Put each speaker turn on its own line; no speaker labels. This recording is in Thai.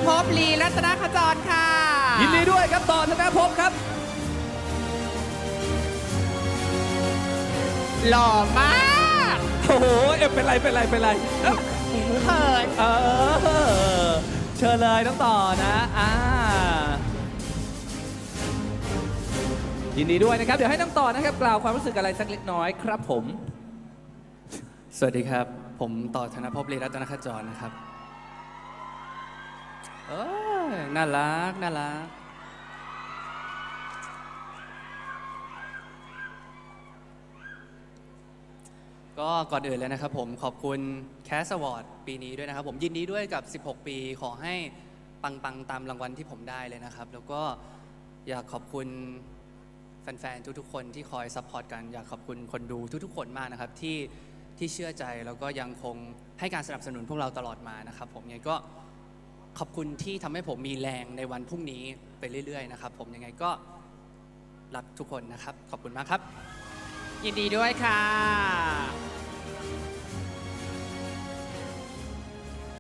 ภพลีรัตนขจรค่ะ
ยินดีด้วยครับต่อธนภพครับ
หล่อมาก
โอ้โหเป็นไรเ
เขิน
เชิญเลยน้องต่อนะยินดีด้วยนะครับเดี๋ยวให้น้องต่อนะครับกล่าวความรู้สึกอะไรสักเล็กน้อยครับผม
สวัสดีครับผมต่อธนภพลีรัตนขจรนะครับน่ารักก็ก่อนอื่นเลยนะครับผมขอบคุณแคสอวอร์ดปีนี้ด้วยนะครับผมยินดีด้วยกับ16 ปีขอให้ปังตามรางวัลที่ผมได้เลยนะครับแล้วก็อยากขอบคุณแฟนๆทุกๆคนที่คอยซัพพอร์ตกันอยากขอบคุณคนดูทุกๆคนมากนะครับที่เชื่อใจแล้วก็ยังคงให้การสนับสนุนพวกเราตลอดมานะครับผมยังไงก็ขอบคุณที่ทำให้ผมมีแรงในวันพรุ่งนี้ไปเรื่อยๆนะครับผมยังไงก็รักทุกคนนะครับขอบคุณมากครับ
ยินดีด้วยค่ะ